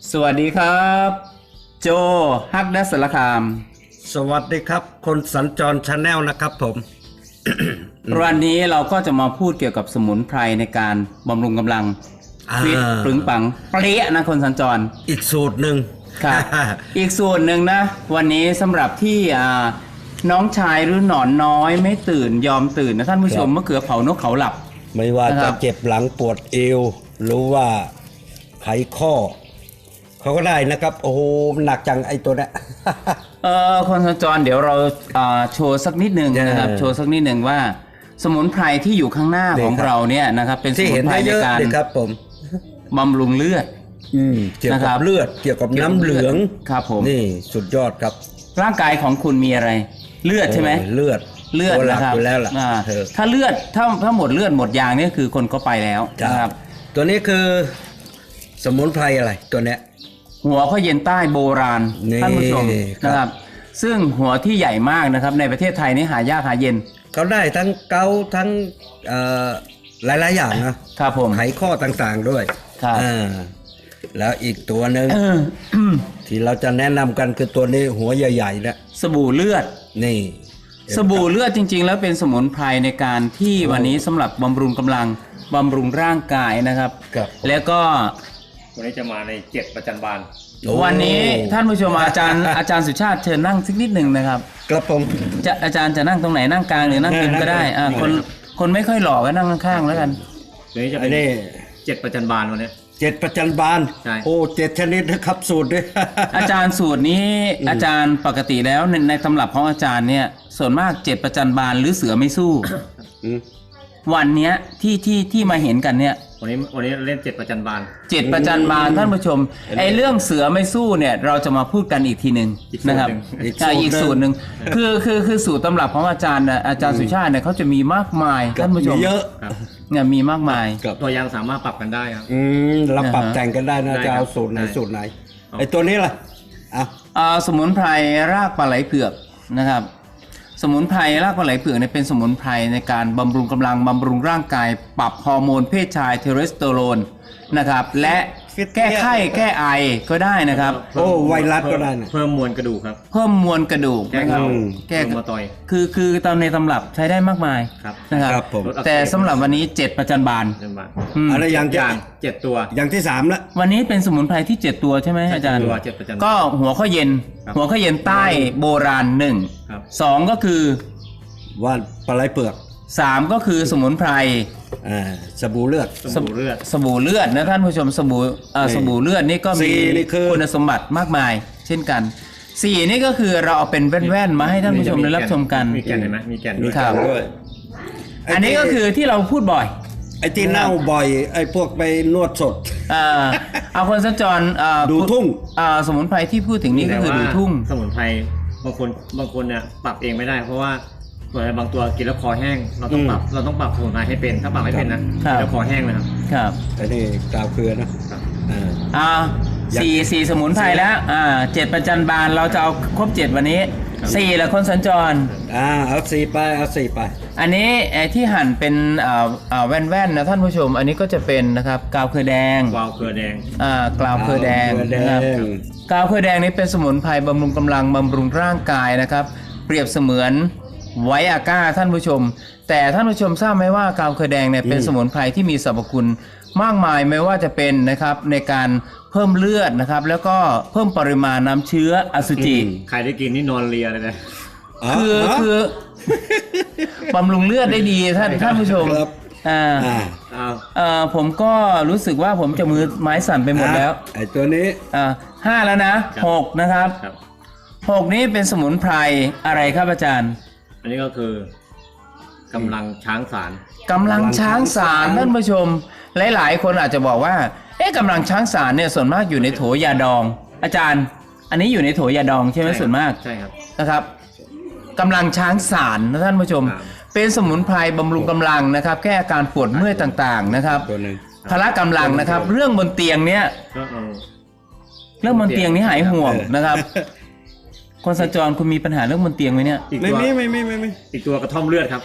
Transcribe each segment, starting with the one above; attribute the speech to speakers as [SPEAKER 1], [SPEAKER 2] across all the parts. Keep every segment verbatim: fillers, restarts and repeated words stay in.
[SPEAKER 1] สวัสดีครับโจฮักดัสสารคาม
[SPEAKER 2] สวัสดีครับคนสัญจรชาแนลนะครับผม
[SPEAKER 1] วันนี้เราก็จะมาพูดเกี่ยวกับสมุนไพรในการบำรุงกำลังฟิตปรึงปังเปรี้ยนะคนสัญจร
[SPEAKER 2] อีกสูตรหนึ่ง
[SPEAKER 1] ครับ อีกสูตรหนึ่งนะวันนี้สำหรับที่น้องชายหรือหนอนน้อยไม่ตื่นยอมตื่นนะท่านผู้ชมมะเขือเผานกเขาหลับ
[SPEAKER 2] ไม่ว่าจะเจ็บหลังปวดเอวหรือว่าไขข้อเขาก็ได้นะครับโอ้โหหนักจังไอ้ตัวเนี้ย
[SPEAKER 1] เออคนสัญจรเดี๋ยวเราโชว์สักนิดหนึ่งนะครับโชว์สักนิดหนึ่งว่าสมุนไพรที่อยู่ข้างหน้าของเราเนี่ยนะครับเป็นสมุนไพรในการ
[SPEAKER 2] ครับผม
[SPEAKER 1] บำรุงเลือด
[SPEAKER 2] เกี่ยวกับเลือดเกี่ยวกับน้ำเหลือง
[SPEAKER 1] ครับผม
[SPEAKER 2] นี่สุดยอดครับ
[SPEAKER 1] ร่างกายของคุณมีอะไรเลือดใช่ไหม
[SPEAKER 2] เลือด
[SPEAKER 1] เลือดนะครับ
[SPEAKER 2] แล้วล่ะ
[SPEAKER 1] ถ้าเลือดถ้าถ้าหมดเลือดหมดยางนี่คือคนก็ไปแล้วนะครับ
[SPEAKER 2] ตัวนี้คือสมุนไพรอะไรตัวเนี้ย
[SPEAKER 1] หัวข้อเย็นใต้โบราณท่านผู้ชมนะครับซึ่งหัวที่ใหญ่มากนะครับในประเทศไทยนี่หายากหาเย็น
[SPEAKER 2] เขาได้ทั้งเกาทั้งหลายๆอย่างนะครับ
[SPEAKER 1] ผม
[SPEAKER 2] ไขข้อต่างๆด้วย
[SPEAKER 1] ครับ
[SPEAKER 2] แล้วอีกตัวหนึ่งที่เราจะแนะนำกันคือตัวนี้หัวใหญ่ๆนะ
[SPEAKER 1] สบู่เลือด
[SPEAKER 2] นี่
[SPEAKER 1] สบู่เลือดจริงๆแล้วเป็นสมุนไพรในการที่วันนี้สำหรับบำรุงกำลังบำรุงร่างกายนะครับแล้วก็
[SPEAKER 3] วันนี้จะมาในเจ็ดประจันบาน
[SPEAKER 1] วันนี้ท่านผู้ชมอาจารย์อาจารย์สุชาติเชิญนั่งสักนิดหนึ่งนะครับ
[SPEAKER 2] กระผม
[SPEAKER 1] จะอาจารย์จะนั่งตรงไหนนั่งกลางหรือนั่งริมก็ได้อ่าคนคนไม่ค่อยหล่อก็นั่งข้างๆแล้วกัน
[SPEAKER 3] วันนี้จะเป็นเจ็ดประจันบานวันนี้
[SPEAKER 2] เจ็ดประจันบานโอ้เจ็ดชนิดนะครับสูตรด้วย
[SPEAKER 1] อาจารย์สูตรนี้อาจารย์ปกติแล้วในในตำรับของอาจารย์เนี่ยส่วนมากเจ็ดประจันบานหรือเสือไม่สู้วันเนี้ยที่ที่ที่มาเห็นกันเนี่ย
[SPEAKER 3] วันนี้วันนี้เล่นเจ็ดประจันบาน
[SPEAKER 1] เจ็ดประจันบานท่านผู้ชมไอ้เรื่องเสือไม่สู้เนี่ยเราจะมาพูดกันอีกทีหนึ่งนะครับอีกสูตรหนึ่งคือคือคือสูตรตำรับของอาจารย์อาจารย์สุชาติเนี่ยเขาจะมีมากมายท่านผู้ชม
[SPEAKER 2] เยอะ
[SPEAKER 1] เนี่ยมีมากมาย
[SPEAKER 3] ตัวยางสามารถปรับกันได้ครับ
[SPEAKER 2] อืมเราปรับแต่งกันได้นะจะเอาสูตรไหนสูตรไหนไอ้ตัวนี้ล่ะ
[SPEAKER 1] อ่าสมุนไพรรากปลาไหลเผือกนะครับสมุนไพรรากปลาไหลเผือกเนี่ยเป็นสมุนไพรในการบำรุงกำลังบำรุงร่างกายปรับฮอร์โมนเพศชายเทสโทสเตอโรนนะครับและแก้ไข้แก้ไอก็ได้นะครับ
[SPEAKER 2] โอ้ไวรัสก็ได้
[SPEAKER 3] เพิ่มมวลกระดูกครับ
[SPEAKER 1] เพิ่มมวลกระดูกนะครับ
[SPEAKER 3] แก้มาต่อย
[SPEAKER 1] คือคือตามในตำรับใช้ได้มากมายนะครับแต่สำหรับวันนี้เจ็ดประจันบาน
[SPEAKER 2] อะไรอย่าง
[SPEAKER 3] เจ็ดตัว
[SPEAKER 2] อย่างที่สามละ
[SPEAKER 1] วันนี้เป็นสมุนไพรที่เจ็ดตัวใช่ไหมอาจารย์ก็หัวข้อเย็นหัวข้อเย็นใต้โบราณหนึ่งสองก็คือ
[SPEAKER 2] ว่านปลาไหลเปลือก
[SPEAKER 1] สามก็คือสมุนไพร
[SPEAKER 2] สบู่เลือด
[SPEAKER 1] สบู่เลือดสบู่เลือดนะท่านผู้ชมสบู่สบู่เลือดนี่ก็มีคุณสมบัติมากมายเช่นกันสี่นี่ก็คือเราเอาเป็นแว่นๆมาให้ท่านผู้ชมได้รับชมกัน
[SPEAKER 3] มีแก่นเห็นไหมมีแก่น
[SPEAKER 2] ด้วย
[SPEAKER 1] อันนี้ก็คือที่เราพูดบ่อย
[SPEAKER 2] ไอ้ที่เน่าบ่อยไอ้พวกไปนวดสด
[SPEAKER 1] เอาคนสัญจร
[SPEAKER 2] ดูทุ่ง
[SPEAKER 1] สมุนไพรที่พูดถึงนี้ก็คือดูทุ่ง
[SPEAKER 3] สมุนไพรบางคนบางคนเนี่ยปรับเองไม่ได้เพราะว่าบางตัวกินแล้วคอแห้งเราต้องปรับเราต้องปรับสมุนไพรให้เป็นถ้าปรับไม่เป็นนะแล้วคอแห้งนะครับ
[SPEAKER 1] ครับ
[SPEAKER 2] อันนี้กาวเกลือนะ
[SPEAKER 1] อ่าสี่สี่สมุนไพรแล้วอ่าเจ็ดประจันบานเราจะเอาครบเจ็ดวันนี้สี่แหละคนสัญจร
[SPEAKER 2] อ่าเอาสี่ไปเอาสี่ไป
[SPEAKER 1] อันนี้ไอ้ที่หั่นเป็นอ่าอ่าแว่นๆนะท่านผู้ชมอันนี้ก็จะเป็นนะครับกาวเกลือแดง
[SPEAKER 3] กาวเกลือแดง
[SPEAKER 1] อ่ากาวเกลือแดงนะครับกาวเกลือแดงนี้เป็นสมุนไพรบำรุงกำลังบำรุงร่างกายนะครับเปรียบเสมือนไวอาก้าท่านผู้ชมแต่ท่านผู้ชมทราบไหมว่ากาวเกลือแดงเนี่ยเป็นสมุนไพรที่มีสรรพคุณมากมายไม่ว่าจะเป็นนะครับในการเพิ่มเลือดนะครับแล้วก็เพิ่มปริมาณน้ำเชื้ออสุจิ
[SPEAKER 3] ใครได้กินนี่นอนเลียเลยนะ
[SPEAKER 1] คือคือบำรุงเลือดได้ดีท่านท่านผู้ชมอ่าอ่าผมก็รู้สึกว่าผมจะมือไม้สั่นไปหมดแล้ว
[SPEAKER 2] ไอ้ตัวนี้
[SPEAKER 1] อ่าห้าแล้วนะหกนะครับหกนี้เป็นสมุนไพรอะไรครับอาจารย์
[SPEAKER 3] อันนี้ก็คือกำลังช้างสาร
[SPEAKER 1] กำลังช้างสารท่านผู้ชมหลายๆคนอาจจะบอกว่าเอ๊ะกำลังช้างสารเนี่ยส่วนมากอยู่ในโถยาดองอาจารย์อันนี้อยู่ในโถยาดองใช่ไหมส่วนมาก
[SPEAKER 3] ใช่ครับ
[SPEAKER 1] นะครับกำลังช้างสารนะท่านผู้ชมเป็นสมุนไพรบำรุงกำลังนะครับแก้อาการปวดเมื่อยต่างๆนะครับพละกำลังนะครับเรื่องบนเตียงเนี้ยเรื่องบนเตียงนี้หายห่วงนะครับคนสัญจรคุณมีปัญหาเรื่องบนเตียงไหมเนี่ย
[SPEAKER 2] ไม่ไม่ไม่ไม่ไม่
[SPEAKER 3] อีกตัวกระท่อมเลือดครับ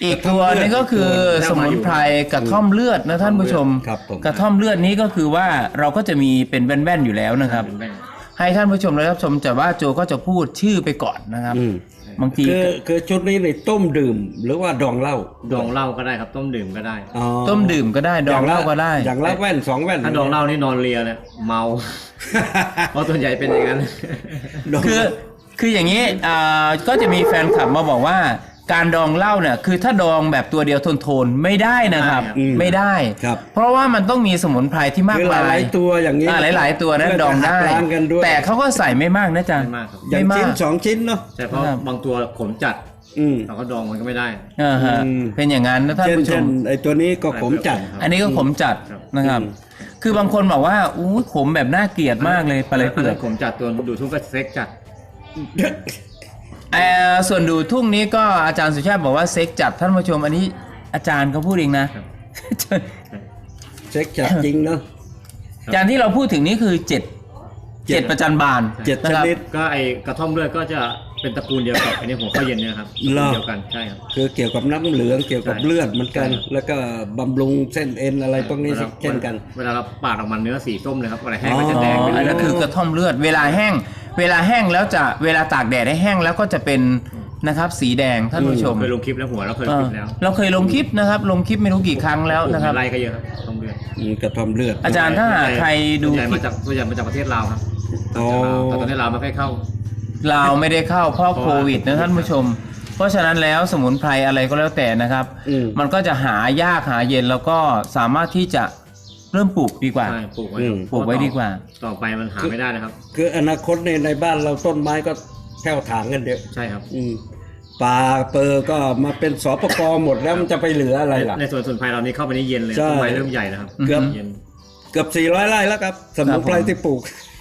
[SPEAKER 1] อีกตัวนึงก็คือสมุนไพรกระท่อมเลือดนะท่านผู้ชม
[SPEAKER 2] ครับผม
[SPEAKER 1] กระท่อมเลือดนี้ก็คือว่าเราก็จะมีเป็นแว่นๆอยู่แล้วนะครับ
[SPEAKER 3] เป็นแว่น
[SPEAKER 1] ให้ท่านผู้ชมและรับชมแต่ว่าโจก็จะพูดชื่อไปก่อนนะครับ
[SPEAKER 2] อืม
[SPEAKER 1] บางที
[SPEAKER 2] คือคือชุดนี้ในต้มดื่มหรือว่าดองเหล้า
[SPEAKER 3] ดองเหล้าก็ได้ครับต้มดื่มก็ได้
[SPEAKER 2] อ๋อ
[SPEAKER 1] ต้มดื่มก็ได้ดองเหล้าก็ได้
[SPEAKER 2] อย่างละแว่นสองแว่น
[SPEAKER 3] ถ้าดองเหล้านี่นอนเลียเลยเมา เพราะส่วนใหญ่เป็นอย่างนั้น
[SPEAKER 2] ดอง
[SPEAKER 1] คือคืออย่างนี้อ่าก็จะมีแฟนคลับมาบอกว่าการดองเหล้าเนี่ยคือถ้าดองแบบตัวเดียวทนๆไม่ได้นะครับ
[SPEAKER 2] อืม
[SPEAKER 1] ไม่ได้
[SPEAKER 2] ครับ
[SPEAKER 1] เพราะว่ามันต้องมีสมุนไพรที่มาก
[SPEAKER 2] คือห
[SPEAKER 1] มาย
[SPEAKER 2] ลายๆตัวอย่างนี้
[SPEAKER 1] อ่าหลาย ๆ ตัวนั้น
[SPEAKER 2] เพื่
[SPEAKER 1] ดองได้
[SPEAKER 2] จะหักล้างกันด้วย
[SPEAKER 1] แต่เขาก็ใส่ไม่มากนะจ๊ะ
[SPEAKER 3] ไม่มากครับ
[SPEAKER 2] อย่าง
[SPEAKER 1] ไม่
[SPEAKER 2] ชิ้น
[SPEAKER 1] มาก
[SPEAKER 2] สองชิ้นเนาะ
[SPEAKER 3] ใช่เพราะ
[SPEAKER 1] ครับ
[SPEAKER 3] บางตัวขมจัด
[SPEAKER 2] อืม
[SPEAKER 3] เราก็ดองมันก็ไม่ได้
[SPEAKER 1] อ่าฮะ
[SPEAKER 2] อืม
[SPEAKER 1] เป็นอย่างนั้นนะท่าน
[SPEAKER 2] เช่น
[SPEAKER 1] ผู้ช
[SPEAKER 2] เช่น
[SPEAKER 1] ม
[SPEAKER 2] ไอ้ตัวนี้ก็ขมจัด
[SPEAKER 1] อันนี้ก็ขมจัด
[SPEAKER 3] ครับ
[SPEAKER 1] นะครับ
[SPEAKER 2] อืม
[SPEAKER 1] คือบางคนบอกว่าอู้ขมแบบน่าเกลียดมากเลยปลาไหลเผือก
[SPEAKER 3] ขมจัดตัวดูทุ่งก็เซ็กจัด
[SPEAKER 1] เอ่อส่วนดูทุ่งนี้ก็อาจารย์สุชาติบอกว่าเซ็กจัดท่านผู้ชม อันนี้อาจารย์เขาพูดเองนะ
[SPEAKER 2] เช็คจัดจริงเนาะ
[SPEAKER 1] อาจารย์ที่เราพูดถึงนี้คือเจ็ด
[SPEAKER 2] เจ็ด
[SPEAKER 1] เจ็ดประจันบาน
[SPEAKER 2] เจ็ด
[SPEAKER 1] นะ
[SPEAKER 2] ช
[SPEAKER 1] ครับ
[SPEAKER 2] นิด
[SPEAKER 3] ก็ไอกระท่อมเลือดก็จะเป็นตระกูลเดียวกับอันนี้หัวข้าวเย็นเนี่ยครับตระ
[SPEAKER 2] เหร
[SPEAKER 3] กู
[SPEAKER 2] อ
[SPEAKER 3] ลเดียวกันใช่ครับ
[SPEAKER 2] คือเกี่ยวกับน้ำเหลืองเกี่ยวกับ
[SPEAKER 3] ใช่
[SPEAKER 2] เลือดเหมือนกัน
[SPEAKER 3] ใช่
[SPEAKER 2] แล้วก็บำรุงเส้นเอ็นอะไรพวกนี้
[SPEAKER 3] วลา
[SPEAKER 2] เช่นกัน
[SPEAKER 3] เวลาเราปาดออกมาเนื้อสีส้มเลยครับเวลาแห้ง
[SPEAKER 2] อ๋อ
[SPEAKER 3] ก็จะแดง
[SPEAKER 1] อ๋อ
[SPEAKER 3] เป็น
[SPEAKER 1] อัน
[SPEAKER 3] เลื
[SPEAKER 1] นั้
[SPEAKER 3] อด
[SPEAKER 1] นคือกระท่อมเลือด เวลาแห้ง เวลาแห้งแล้วจะเวลาตากแดดให้แห้งแล้วก็จะเป็นนะครับสีแดงท่านผู้ชม
[SPEAKER 3] เคยลงคลิปแล้วหัวเราเคย
[SPEAKER 1] เอ
[SPEAKER 3] ลงค
[SPEAKER 1] อ
[SPEAKER 3] ลิปแล้ว
[SPEAKER 1] เราเคยลงคลิปนะครับ ลงคลิปไม่รู้กี่ครั้งแล้วนะครับ
[SPEAKER 3] ไล่ก็เยอะครับต้มเลือด
[SPEAKER 2] อืมกระท่อมเลือด
[SPEAKER 1] อาจารย์ถ้าหากใครดู
[SPEAKER 3] ส่วนใหญ่มาจากส่วนใหญ่มาจากประเทศลาวครับ
[SPEAKER 2] อ๋อ
[SPEAKER 3] แต่ประเทศลาวไม่ค่อยเข้า
[SPEAKER 1] ลาวไม่ได้เข้าเพราะ
[SPEAKER 3] เพราะ
[SPEAKER 1] โควิดนะท่านผู้ชม เพราะฉะนั้นแล้วสมุนไพรอะไรก็แล้วแต่นะครับ
[SPEAKER 2] อืม
[SPEAKER 1] มันก็จะหายากหาเย็นแล้วก็สามารถที่จะเริ่มปลูกดีกว่า
[SPEAKER 3] ใช่ปลูกไว้
[SPEAKER 2] อืม
[SPEAKER 1] ปลูกไว้ดีกว่า
[SPEAKER 3] ต่อไปมันหาไม่ได้นะครับ
[SPEAKER 2] คืออนาคตในในบ้านเราต้นไม้ก็แผ่วถางกันเยอะ
[SPEAKER 3] ใช่ครับ
[SPEAKER 2] อืมป่าเปอร์ก็มาเป็นสปกหมดแล้วมันจะไปเหลืออะไรล่ะ
[SPEAKER 3] ในส่วนสมุนไพรเรานี่เข้าไปในเย็นเลย
[SPEAKER 2] ใช่
[SPEAKER 3] ต้นไม้เริ่มใหญ่แล้วครับ
[SPEAKER 2] เกือบ
[SPEAKER 3] เย็น
[SPEAKER 2] เกือบสี่ร้อยไร่แล้วครับ สมุนไพรที่ปลูก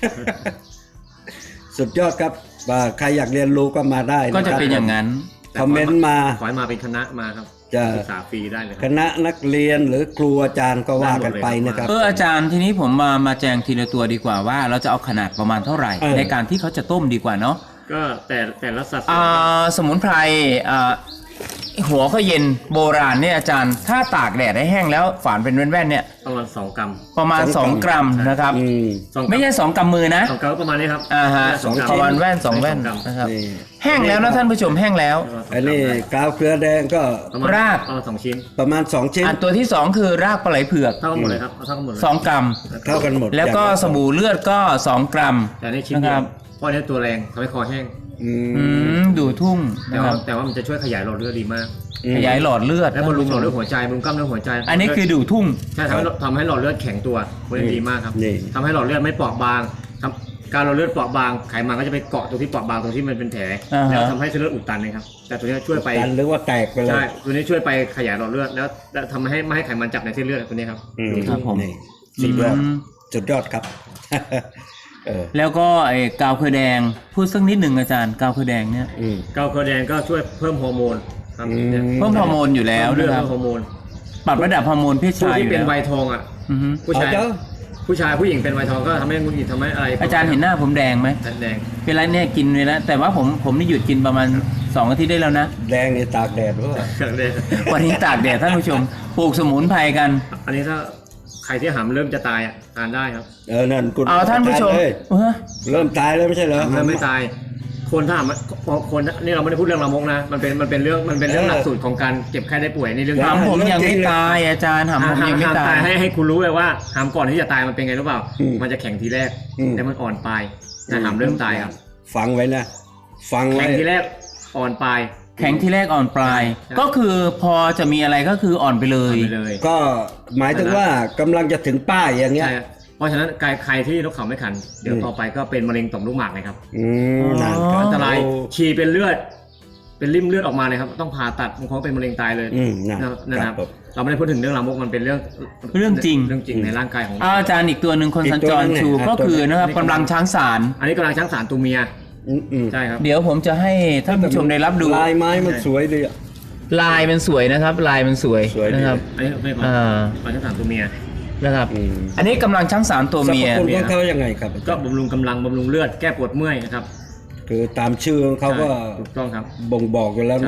[SPEAKER 2] สุดยอดครับว่าใครอยากเรียนรู้ก็มาได้น
[SPEAKER 1] ก็จะเป็นอย่างนั้น
[SPEAKER 2] คอมเมนต์มา
[SPEAKER 3] ขอให้มาเป็นคณะมาครับ
[SPEAKER 2] จะ
[SPEAKER 3] ศึกษาฟรีได้เลยค
[SPEAKER 2] ครับ ณะนักเรียนหรือครูอาจารย์ก็ว่ากันไปนะครับ
[SPEAKER 1] เอออาจารย์ทีนี้ผมมามาแจงทีละตัวดีกว่าว่า เราจะเอาขนาดประมาณเท่าไหร่
[SPEAKER 2] เออ
[SPEAKER 1] ในการที่เขาจะต้มดีกว่าเนาะ
[SPEAKER 3] ก็แต่แต่ละสัดส่วน
[SPEAKER 1] อ่าสมุนไพรอ่าหัวข้าวเย็นโบราณเนี่ยอาจารย์ถ้าตากแดดให้แห้งแล้วฝานเป็นแว่นๆเนี่ย
[SPEAKER 3] ประมาณสองกรัม
[SPEAKER 1] ประมาณ
[SPEAKER 2] สอง
[SPEAKER 1] สอง
[SPEAKER 2] ก
[SPEAKER 1] ก
[SPEAKER 2] รั
[SPEAKER 1] รั
[SPEAKER 2] ม
[SPEAKER 1] มนะครับ
[SPEAKER 2] อืม
[SPEAKER 3] สองกรัม
[SPEAKER 1] ไม่ใช่สองกำมือนะ
[SPEAKER 3] สองกรัมก็ประมาณนี้ครับ
[SPEAKER 1] อ่าฮะ
[SPEAKER 3] สองกรัม
[SPEAKER 1] ประมาณแว่นสองแว่น
[SPEAKER 3] กรัม
[SPEAKER 1] นะครับ
[SPEAKER 2] นี่
[SPEAKER 1] แห้งแล้วนะท่านผู้ชมแห้งแล้ว
[SPEAKER 2] อันนี้กาวเกลือแดงก็
[SPEAKER 3] ประมาณ
[SPEAKER 1] ราก
[SPEAKER 3] ประมาณสองชิ้น
[SPEAKER 2] ประมาณสองชิ้น
[SPEAKER 1] อันตัวที่สองคือรากปลาไหลเผือก
[SPEAKER 3] เท่ากันหมดเลยครับเอาเท่ากันหมดเลย
[SPEAKER 1] สองกรัม
[SPEAKER 2] เท่ากันหมด
[SPEAKER 1] แล้วก็
[SPEAKER 2] อย่างะ
[SPEAKER 1] สบู่เลือดก็สองกรัม
[SPEAKER 3] แต่ในชิ้นเดี
[SPEAKER 1] นะค
[SPEAKER 3] ย
[SPEAKER 1] รั
[SPEAKER 3] ว
[SPEAKER 1] บ
[SPEAKER 3] เพราะอันนี้ตัวแรงทำให้คอแห้ง
[SPEAKER 2] อื
[SPEAKER 1] อื
[SPEAKER 2] ม
[SPEAKER 1] มดูทุ่ง
[SPEAKER 3] แต่
[SPEAKER 1] นะค
[SPEAKER 3] ว่า
[SPEAKER 1] รับ
[SPEAKER 3] แต่ว่ามันจะช่วยขยายหลอดเลือดดีมาก
[SPEAKER 1] ขยายหลอดเลือด
[SPEAKER 3] และบำรุงหลอดเลือดหัวใจบำรุงกล้ามเนื้อหัวใจ
[SPEAKER 1] อันนี้คือดูทุ่ง
[SPEAKER 3] ใช่ทำให้ทำให้หลอดเลือดแข็งตัวมันดีมากครับ
[SPEAKER 2] นี่
[SPEAKER 3] ทำให้หลอดเลือดไม่เปราะบางทำการหลอดเลือดเปราะบางไขมันก็จะไปเกาะตรงที่เปราะบางตรงที่มันเป็นแผล
[SPEAKER 1] อ่าฮะ
[SPEAKER 3] แล้วทำให้เส้นเลือดอุดตันนะครับแต่ตัวนี้ช่วยไป
[SPEAKER 2] กันหรือว่าแตกไปเลย
[SPEAKER 3] ใช่ตัวนี้ช่วยไปขยายหลอดเลือดแล้วแล้วทำให้ไม่ให้ไขมันจับในเส้นเลือดตัวนี้ครับ
[SPEAKER 2] อืม
[SPEAKER 1] ครับผม
[SPEAKER 2] นี่สุดยอด
[SPEAKER 1] อืม
[SPEAKER 2] สุดยอดครับ เออ
[SPEAKER 1] แล้วก็ไอ้กาวเคยแดงพูดสักนิดหนึ่งอาจารย์กาวเคยแดงเนี่ย
[SPEAKER 2] อืม
[SPEAKER 3] เกาเคอแดงก็ช่วยเพิ่มฮอร์โมนครับ
[SPEAKER 2] อืม
[SPEAKER 3] เนี่ย
[SPEAKER 1] เพิ่มฮอร์โมนอยู่แล้ว
[SPEAKER 3] เพิ่มเลือด
[SPEAKER 1] นะครับ
[SPEAKER 3] เพิ่มฮอร์โมน
[SPEAKER 1] ปรับระดับฮอร์โมนเพศ
[SPEAKER 3] ผู้
[SPEAKER 1] ชายอ
[SPEAKER 3] ที่
[SPEAKER 1] ยู่
[SPEAKER 3] เป็น
[SPEAKER 1] แล้ว
[SPEAKER 3] วัยทองอ่ะ
[SPEAKER 1] อือฮึ
[SPEAKER 3] ผู้ชาย
[SPEAKER 2] เอาเจ้า
[SPEAKER 3] ผู้ชายผู้หญิงเป็นวัยทองก็ทำให้มุนหิดทำให้อะไร
[SPEAKER 1] อาจารย์เห็นหน้าผมแดงไหม
[SPEAKER 3] แดง
[SPEAKER 1] เป็นไรเนี่ยกินเลยแล้วแต่ว่าผมผมนี่หยุดกินประมาณสองอาทิตย์ได้แล้วนะ
[SPEAKER 2] แดงในตากแดดด้วย
[SPEAKER 3] ๆแดง
[SPEAKER 1] วันนี้ตากแดดท่านผู้ชมปลูกสมุนไพรกัน
[SPEAKER 3] อันนี้ถ้าใครที่หามเริ่มจะตายอ่ะทานได้ครับ
[SPEAKER 2] เออนั่นคุณ
[SPEAKER 1] เอาท่านผู้ชม
[SPEAKER 2] เลย
[SPEAKER 1] เออ
[SPEAKER 2] เริ่มตายแล้วไม่ใช่เหรอ
[SPEAKER 3] เริ่มไม่ตาย คนถ้าหามคนนี่เราไม่ได้พูดเรื่องละมกนะมันเป็นมันเป็นเรื่องมันเป็นเรื่องหลักสูตรของการเจ็บไข้ได้ป่วยนี่เรื่อง
[SPEAKER 1] ถามผมยังไม่ตายอาจารย์ถาม
[SPEAKER 3] หา
[SPEAKER 1] ผม
[SPEAKER 3] หาม
[SPEAKER 1] ยังไม่
[SPEAKER 3] หาม
[SPEAKER 1] ตา
[SPEAKER 3] ตาย
[SPEAKER 1] ย
[SPEAKER 3] ให้ให้คุณรู้เลยว่าหามก่อนที่จะตายมันเป็นไงรู้เปล่า มันจะแข็งทีแรกแต่มันอ่อนปลายแต่หามเริ่มตายครับ
[SPEAKER 2] ฟังไว้นะ ฟัง
[SPEAKER 3] แข็
[SPEAKER 2] ไว้
[SPEAKER 3] งทีแรกอ่อนปลาย
[SPEAKER 1] แข็งที่แรกอ่อนปลาย
[SPEAKER 3] ใช่
[SPEAKER 1] ก็คือพอจะมีอะไรก็คืออ่อนไปเลย
[SPEAKER 3] ไปเลย
[SPEAKER 2] ก็หมายถึงว่ากำลังจะถึงป้ายอย่างเงี้ย
[SPEAKER 3] ใช่ครับเพราะฉะนั้นใครใครที่นกเขาไม่ขัน เดี๋ยวต่อไปก็เป็นมะเร็งต่อมลูกหมากเลยครับ
[SPEAKER 2] อืมนั่นค
[SPEAKER 1] อ๋อ
[SPEAKER 2] บ
[SPEAKER 3] อันตราย
[SPEAKER 2] โอ้
[SPEAKER 3] ฉี่เป็นเลือด เป็นริ่มเลือดออกมาเลยครับ ต้องผ่าตัดบางคนก็เป็นมะเร็งตายเลย
[SPEAKER 2] อืมนั่น
[SPEAKER 3] นะครับ
[SPEAKER 2] ครับ
[SPEAKER 3] เราไม่ได้พูดถึงเรื่องลามกมันเป็นเรื่อง
[SPEAKER 1] เรื่องจริง
[SPEAKER 3] เรื่องจริงในร่างกายของ
[SPEAKER 1] อ่าอาจารย์อีกตัวหนึ่งคน
[SPEAKER 2] อีก
[SPEAKER 1] สัญ
[SPEAKER 2] ตัว
[SPEAKER 1] จร
[SPEAKER 2] หนึ่ง
[SPEAKER 1] ชู
[SPEAKER 2] เนี่ย
[SPEAKER 1] ก็คือนะครับ
[SPEAKER 3] อันนี้
[SPEAKER 1] กำลังช้างสาร
[SPEAKER 3] อันนี้กำลังช้างสารตัวเมีย
[SPEAKER 2] อืมอืม
[SPEAKER 3] ใช่ครับ
[SPEAKER 1] เดี๋ยวผมจะให้ท่านผู้ชมได้รับดู
[SPEAKER 2] ลายไม้มันสวยดีอะ
[SPEAKER 1] ลายมันสวยนะครับ ลายมันสวย
[SPEAKER 2] สวยดี
[SPEAKER 1] นะครับ
[SPEAKER 3] อันนี้ไม่ก่อน
[SPEAKER 1] อ่า
[SPEAKER 3] กำลังช้างสารตัวเมีย
[SPEAKER 1] นะครับ
[SPEAKER 2] อืม
[SPEAKER 1] อันนี้กำลังช้างสารตัว
[SPEAKER 2] สรร
[SPEAKER 1] เมี
[SPEAKER 2] พ
[SPEAKER 1] ย
[SPEAKER 2] คุณของเขายังไงครับ
[SPEAKER 3] ก็บำรุงกำลังบำรุงเลือดแก้ปวดเมื่อยนะครับ
[SPEAKER 2] คือตามชื่อของเขาก็
[SPEAKER 3] ใช่ถูกต้องครับ
[SPEAKER 2] บ่งบอกอยู่แล้ว
[SPEAKER 3] ใช่
[SPEAKER 2] นะ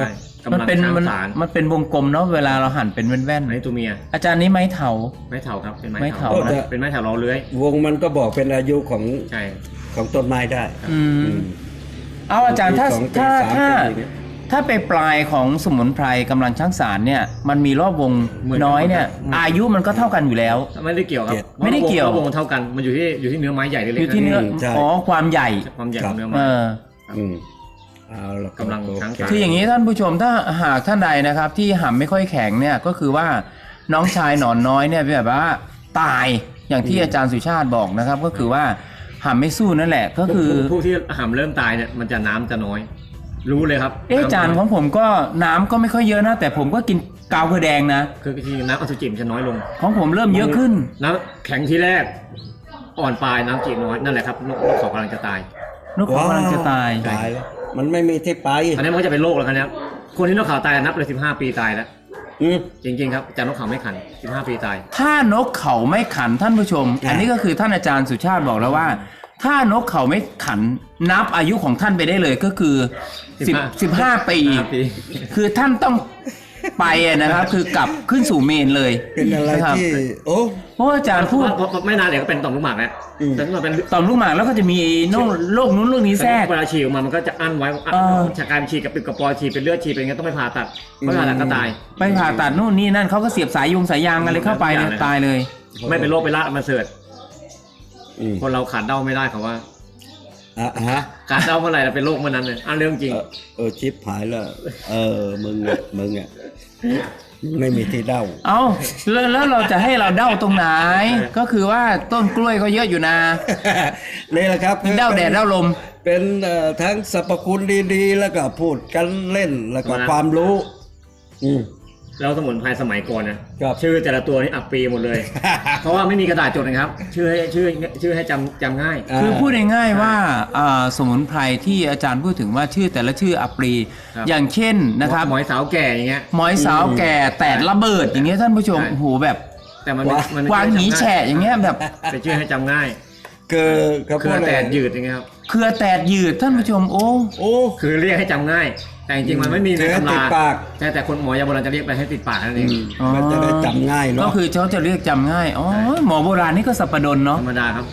[SPEAKER 1] มัน
[SPEAKER 3] กำลัง
[SPEAKER 1] เป็น
[SPEAKER 3] ช้าง
[SPEAKER 1] มัน
[SPEAKER 3] สาร
[SPEAKER 1] มันเป็นวงกลมเนาะเวลาเราหั่นเป็นแว่น
[SPEAKER 3] อันนี้ตัวเมีย
[SPEAKER 1] ๆอาจารย์นี้ไม้เถา
[SPEAKER 3] ไม้เถาครับเป็นไม้
[SPEAKER 1] ไม้
[SPEAKER 3] เถา
[SPEAKER 1] เถา
[SPEAKER 2] นะ
[SPEAKER 3] เป็นไม้เถาล้อเลื้อยว
[SPEAKER 2] งมันก็บอกเป็นอายุของ
[SPEAKER 3] ใช่
[SPEAKER 2] ของต้นไม้ได้
[SPEAKER 1] อืม
[SPEAKER 2] อืม
[SPEAKER 1] เอาอาจารย์ถ้า
[SPEAKER 2] ปีสองปี
[SPEAKER 1] ถ้า
[SPEAKER 2] สาม
[SPEAKER 1] ถ้า
[SPEAKER 2] ปีเนี่ย
[SPEAKER 1] ถ้าไปปลายของสมุนไพรกำลังช้างสารเนี่ย มันมีรอบวงน้อยเนี่ย อายุมันก็เท่ากันอยู่แล้ว
[SPEAKER 3] ไม่ได้เกี่ยวครับ
[SPEAKER 1] ไม่ได้เกี่ยว
[SPEAKER 3] วงมันเท่ากันมันอยู่ที่อยู่ที่เนื้อไม้ใหญ่หรือเล็ก
[SPEAKER 1] อยู่ที่เนื้อ
[SPEAKER 2] ใช่
[SPEAKER 1] อ๋อความใหญ่
[SPEAKER 3] ความใหญ่ของเนื้อ
[SPEAKER 1] เอ
[SPEAKER 3] ไม้
[SPEAKER 1] อ
[SPEAKER 2] อืมเอาละ
[SPEAKER 3] กำลังช้างสาร
[SPEAKER 1] คืออย่างนี้ท่านผู้ชมถ้าหากท่านใดนะครับ ที่หำไม่ค่อยแข็งเนี่ยก็คือว่าน้องชายหนอนน้อยเนี่ยแบบว่าตายอย่างที่อาจารย์สุชาติบอกนะครับ ก็คือว่าหำไม่สู้นั่นแหละก็คือ
[SPEAKER 3] ผู้ที่หำเริ่มตายเนี่ยมันจะน้ำจะน้อย รู้เลยครับ
[SPEAKER 1] เอ๊ะอาจารย์ของผมก็น้ำก็ไม่ค่อยเยอะนะ แต่ผมก็กินกาวเกลือแดงนะ
[SPEAKER 3] คือที่น้ำอสุจิมันจะน้อยลง
[SPEAKER 1] ของผมเริ่มเยอะขึ้น
[SPEAKER 3] น้ำแข็งที่แรก อ่อนปลายน้ำจีบน้อยนั่นแหละครับนกนกเขากำลังจะตาย
[SPEAKER 1] นกเขากำลังจะตาย
[SPEAKER 2] ตายแล้วมันไม่มีที่ไป
[SPEAKER 3] อันนี้มันก็จะเป็นโรคแล้วครับเนี่ยคนที่นกเขาตายนับเลยสิบห้าปีตายแล้ว
[SPEAKER 2] อืม
[SPEAKER 3] จริงๆครับอาจารย์นกเขาไม่ขันสิบห้าปีตาย
[SPEAKER 1] ถ้านกเขาไม่ขันท่านผู้ชม
[SPEAKER 2] อ่ะ
[SPEAKER 1] อันนี้ก็คือท่านอาจารย์สุชาติบอกแล้วว่า ถ้านกเขาไม่ขันนับอายุของท่านไปได้เลยก็คือสิบสิบห้าปี
[SPEAKER 3] ห้าปี
[SPEAKER 1] คือท่านต้องไปอะนะครับ คือกลับขึ้นสู่เมนเลย
[SPEAKER 2] เป็นอะไร
[SPEAKER 1] คบ
[SPEAKER 2] ที่ โอ้
[SPEAKER 1] เพราะว่าอาจารย์พูด
[SPEAKER 3] เพราะไม่นานเดี๋ยวก็เป็นต่อมลูกหมากแล้ว
[SPEAKER 2] อืม
[SPEAKER 3] แต่ถ้ามันเป็น
[SPEAKER 1] ตอนลูกหมากแล้วก็จะมีโรคโรคนู้นโรคนี้แทรก
[SPEAKER 3] เวลาฉีดออกมามันก็จะอั้นไว้อั้น
[SPEAKER 1] เออ
[SPEAKER 3] จากการฉีดกับปิดกระปอยฉีดเป็นเลือดฉีดเป็นงั้นต้องไปผ่าตัดไม่ผ่าตัดก็ตาย
[SPEAKER 1] ไปผ่าตัดนู่นนี่นั่นเขาก็เสียบสายยงสายยางอะไรเข้าไปเนี่ยตายเลย
[SPEAKER 3] ไม่เป็นโรคเป็นลาดมาเสิร์ต
[SPEAKER 2] อืม
[SPEAKER 3] คนเราขาดเด้าไม่ได้เขาว่า
[SPEAKER 2] อ่ะฮะ
[SPEAKER 3] ขาดเด้าเมื่อไหร่เราเป็นโรคเมื่อนั้นเลยอันเรื่องจริง
[SPEAKER 2] เออเออชิปหายแล้ว เออ มึงอ่ะ มึงอ่ะ ไม่มีที่เด้า
[SPEAKER 1] เอาแล้วแล้วเราจะให้เราเด้าตรงไหน ก็คือว่าต้นกล้วยก็เยอะอยู่นะ
[SPEAKER 2] นี่แหละครับ
[SPEAKER 1] เด้าแดดเด้าลม
[SPEAKER 2] เป็นเอ่อทั้งสรรพคุณดีๆ แล้วก็พูดกันเล่นแล้วก็
[SPEAKER 3] นะ
[SPEAKER 2] ความรู้ อืม
[SPEAKER 3] แล้วสมุนไพรสมัยก่อนนะครับ ชื่อแต่ละตัวนี่อับปีหมดเลย เพราะว่าไม่มีกระดาษจดนะครับ ชื่อให้ชื่อชื่อให้จำจำง่าย
[SPEAKER 2] อ่า
[SPEAKER 1] คือพูดง่ายๆว่าอ่าสมุนไพรที่อาจารย์พูดถึงว่าชื่อแต่ละชื่ออัปรี
[SPEAKER 3] ครับ
[SPEAKER 1] อย่างเช่นนะครับ
[SPEAKER 3] หมอยสาวแก่อย่างเงี้ย
[SPEAKER 1] หมอยสาวแก่แตดระเบิดอย่างเงี้ยท่านผู้ชม
[SPEAKER 3] ใช่
[SPEAKER 1] โอ้โหแบบ
[SPEAKER 3] แต่มันไม่มันไม่
[SPEAKER 1] วางหนีแฉะอย่างเงี้ยแบบ
[SPEAKER 3] เป็นชื่อให้จำง่าย
[SPEAKER 2] คือเขา
[SPEAKER 3] เค
[SPEAKER 2] พู
[SPEAKER 3] รือ
[SPEAKER 2] ด
[SPEAKER 3] แต
[SPEAKER 2] อะไร
[SPEAKER 3] ดยืดอย่างเงี้ยครับ
[SPEAKER 1] เครือแตดยืดท่านผู้ชมโอ้
[SPEAKER 2] โอ้
[SPEAKER 3] คือเรียกให้จำง่าย แต่จริงๆมันไม่มีใน
[SPEAKER 2] เรียกให้
[SPEAKER 3] ตำ
[SPEAKER 2] ติ
[SPEAKER 3] รา
[SPEAKER 2] ดปาก
[SPEAKER 3] ใช่แต่คนหมอยาโบราณจะเรียกไปให้ติดปากนั่นเอ
[SPEAKER 2] อื
[SPEAKER 3] ง
[SPEAKER 2] มมันจะได้จำง่าย
[SPEAKER 1] ก็
[SPEAKER 2] เนาะ
[SPEAKER 1] คือเขาจะเรียกจำง่ายอ๋อหมอโบราณนี่ก็สัปดนเนาะ
[SPEAKER 3] ธรรมดาครับ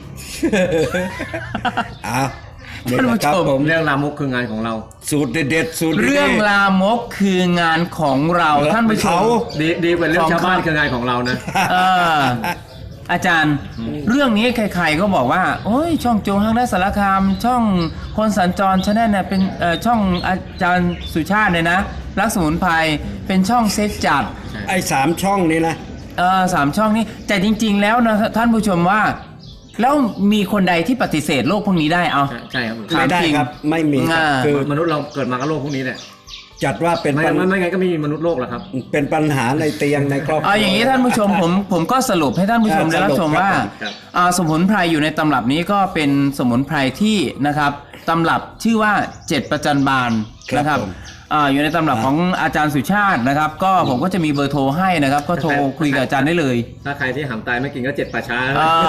[SPEAKER 2] อ้าวนี่แหละครับ
[SPEAKER 1] ท่านผู้ชม
[SPEAKER 2] ผม
[SPEAKER 3] เรื่องรามกคืองานของเรา
[SPEAKER 2] สูตรเด็ดๆสูตรดีๆ
[SPEAKER 1] เรื่องลามกคืองานของเราท่านผู้ช
[SPEAKER 2] เขา
[SPEAKER 1] ม
[SPEAKER 3] ดีดีกว่าเรื่อง
[SPEAKER 1] ของ
[SPEAKER 3] ชาวบ้าน
[SPEAKER 1] เขา
[SPEAKER 3] คืองานของเรานะ
[SPEAKER 1] เอออาจารย์ เรื่องนี้ใครๆก็บอกว่า โอ้ยช่องโจงฮังได้สารคาม ช่องคนสัญจรชาแนลเนี่ยเป็นเอ่อช่องอาจารย์สุชาติเนี่ยนะรักสมุนไพรเป็นช่องเซ็ตจัด
[SPEAKER 2] ไอ้สามช่องนี้นะ
[SPEAKER 1] เออสามช่องนี้แต่จริง ๆ แล้วนะท่านผู้ชมว่า แล้วมีคนใดที่ปฏิเสธโลกพวกนี้ได้เอา
[SPEAKER 3] ใช่ใช่ครับ
[SPEAKER 1] ถา
[SPEAKER 2] ไม่ได้
[SPEAKER 1] จง
[SPEAKER 2] ครับ ไม่มีครับ
[SPEAKER 1] อ่า
[SPEAKER 2] คือ
[SPEAKER 3] มนุษย์เราเกิดมากับโรคพวกนี้แหละ
[SPEAKER 2] จัดว่าเป็น
[SPEAKER 3] ไม่
[SPEAKER 2] ปัญ
[SPEAKER 3] ไม่ไม่ไงก็ไม่มีมนุษย์โลกหรอกครับ
[SPEAKER 2] เป็นปัญหาในเตียงในครอบครัว
[SPEAKER 1] เอาอย่างนี้ท่านผู้ชมผมผมก็สรุปให้ท่านผู้ชม
[SPEAKER 2] อ่า
[SPEAKER 1] ได้รับชม
[SPEAKER 2] สรุปครับ
[SPEAKER 1] ว่า
[SPEAKER 3] ครับ
[SPEAKER 1] อ่าสมุนไพรอยู่ในตำรับนี้ก็เป็นสมุนไพรที่นะครับตำรับชื่อว่าเจ็ดประจันบาน
[SPEAKER 2] ครับ
[SPEAKER 1] นะครับ
[SPEAKER 2] ผม
[SPEAKER 1] อ่าอยู่ในตำรับของอาจารย์สุชาตินะครับ ก็ผมก็จะมีเบอร์โทรให้นะครับ ก็โทรคุยกับอาจารย์ได้เลย
[SPEAKER 3] ถ้าใครที่หำตายไม่กินก็เจ็ดป่าช้า
[SPEAKER 1] อ่า